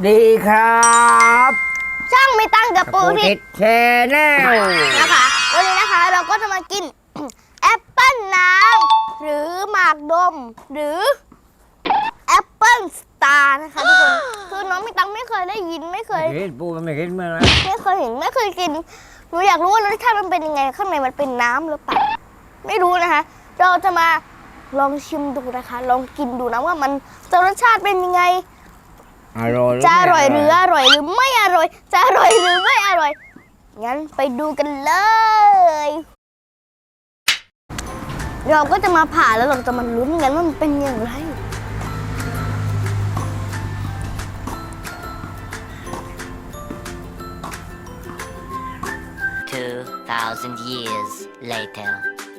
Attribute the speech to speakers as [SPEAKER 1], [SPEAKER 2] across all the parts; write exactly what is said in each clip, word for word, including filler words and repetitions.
[SPEAKER 1] ดีครับ
[SPEAKER 2] ช่างไม่ตั้งกับปูทิศ
[SPEAKER 1] แชร์แนล
[SPEAKER 2] นะคะวันนี้นะคะเราก็จะมากิน แอปเปิ้ลน้ำหรือหมากดมหรือแอปเปิ้ลสตาร์นะคะทุกคนคือน้องไม่ตั้งไม่เคยได้ยินไม่เคย
[SPEAKER 1] เห็นปูมันไม่เห็นเมื่อไร
[SPEAKER 2] ไม่เคยเห็นไม่เคยกินหนูอยากรู้ว่ารสชาติมันเป็นยังไงข้างในมันเป็นน้ำหรือเปล่าไม่รู้นะคะเราจะมาลองชิมดูนะคะลองกินดูนะว่ามันจะรสชาติเป็นยังไง
[SPEAKER 1] อร่อย
[SPEAKER 2] จะอร่อยหรืออร่อยหรือไม่อร่อยจะอร่อยหรือไม่อร่อยงั้นไปดูกันเลยเราก็จะมาผ่าแล้วเราจะมาลุ้นกันว่ามันเป็นอย่างไร
[SPEAKER 3] two thousand years later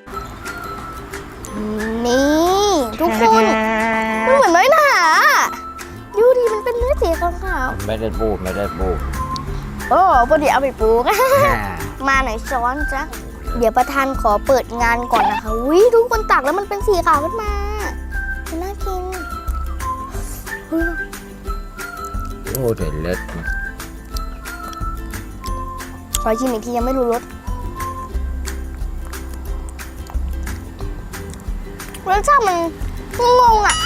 [SPEAKER 2] นี่ทุกคนมันเหมือนน้อยหนาดูดิมันเป็นเนื้อสีขาว
[SPEAKER 1] ๆไม่ได้ปูไม่ได้ปู
[SPEAKER 2] โอ้พอดีเอาไปปลูก มาหน่อยช้อนจ้ะเดี๋ยวประธานขอเปิดงานก่อนนะคะวิทุกคนตักแล้วมันเป็นสีขาวขึ้นมาน่ากิน
[SPEAKER 1] โอ้เด็ดเล็ด
[SPEAKER 2] ขอชิมอีกทียังไม่รู้รสรสชาติมันงงอ่ะ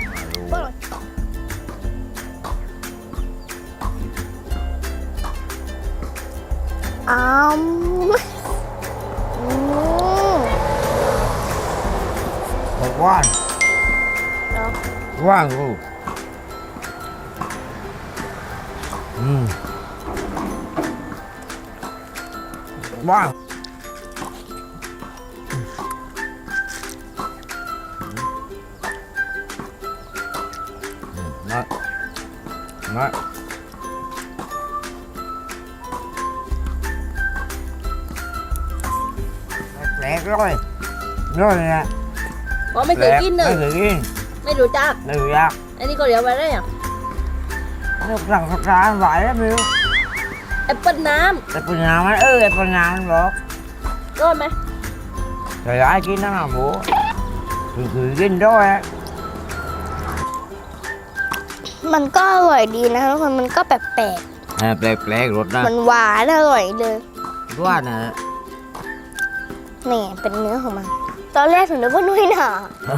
[SPEAKER 2] อ้าว
[SPEAKER 1] ว่างว่างลูกอืมว่างมามาแปลกเลยน้อยนะ
[SPEAKER 4] อ๋อไม่เคยกินเลย
[SPEAKER 1] ไม่เคยกิน
[SPEAKER 4] ไม่รู้จัก
[SPEAKER 1] ไม่รู้จัก
[SPEAKER 4] อันนี้ก็เรียกว่าอะไรอ่ะ
[SPEAKER 1] นึกสั่งสักร้านไหวแล้วมิว
[SPEAKER 4] แอปเปิ้ลน้
[SPEAKER 1] ำแอปเปิ้ลน้ำมันเออแอปเปิ้ลน้ำมันบอก
[SPEAKER 4] ร้อนไหม
[SPEAKER 1] เคยได้กินนะหมูคือคือกินด้วย
[SPEAKER 2] มันก็อร่อยดีนะคะทุกคนมันก็แปลกแปลก
[SPEAKER 1] แปลกแปลกรสนะ
[SPEAKER 2] มันหวานอร่อยเลย
[SPEAKER 1] ว่านะ
[SPEAKER 2] นี่เป็นเนื้อของมันตอนแรกถึงนึกว่านุ่ยหนา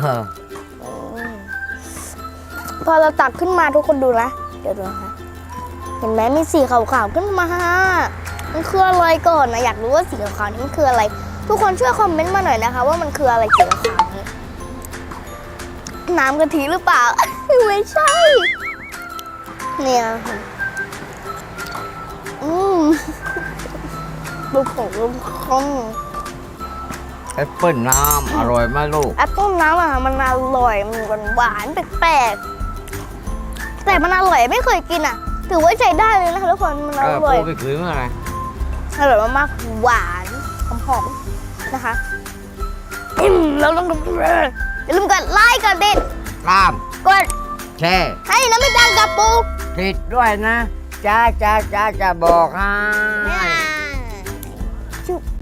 [SPEAKER 2] พอเราตักขึ้นมาทุกคนดูนะเดี๋ยวดูนะคะเห็นไหมมีสีขาวๆขึ้นมามันคืออะไรก่อนนะอยากรู้ว่าสีขาวๆนี้มันคืออะไรทุกคนช่วยคอมเมนต์มาหน่อยนะคะว่ามันคืออะไรสีขาวๆนี้น้ำกะทิหรือเปล่า ไม่ใช่เนี่ยอืมลูกของลูกคอง
[SPEAKER 1] แอปเปิ้ลน้ำอร่อยมากลูก
[SPEAKER 2] แอปเปิ้ลน้ำอ่ะมันอร่อยมันหวานแปลกๆแต่มันอร่อยไม่เคยกินอ่ะถือว่าใช้ได้เลยนะคะทุกคนมันอร่อย
[SPEAKER 1] ไปคืนเมื่อไหร่
[SPEAKER 2] อร่อยมากๆหวานหอมๆนะคะเราต้องอย่าลืมกดไลค์กดติด
[SPEAKER 1] ตาม
[SPEAKER 2] กด
[SPEAKER 1] แชร์
[SPEAKER 2] ให้น้ำไม่ตังกับปู
[SPEAKER 1] ติดด้วยนะจ้าจ้าจ้าจะบอกให้
[SPEAKER 2] จุ๊บ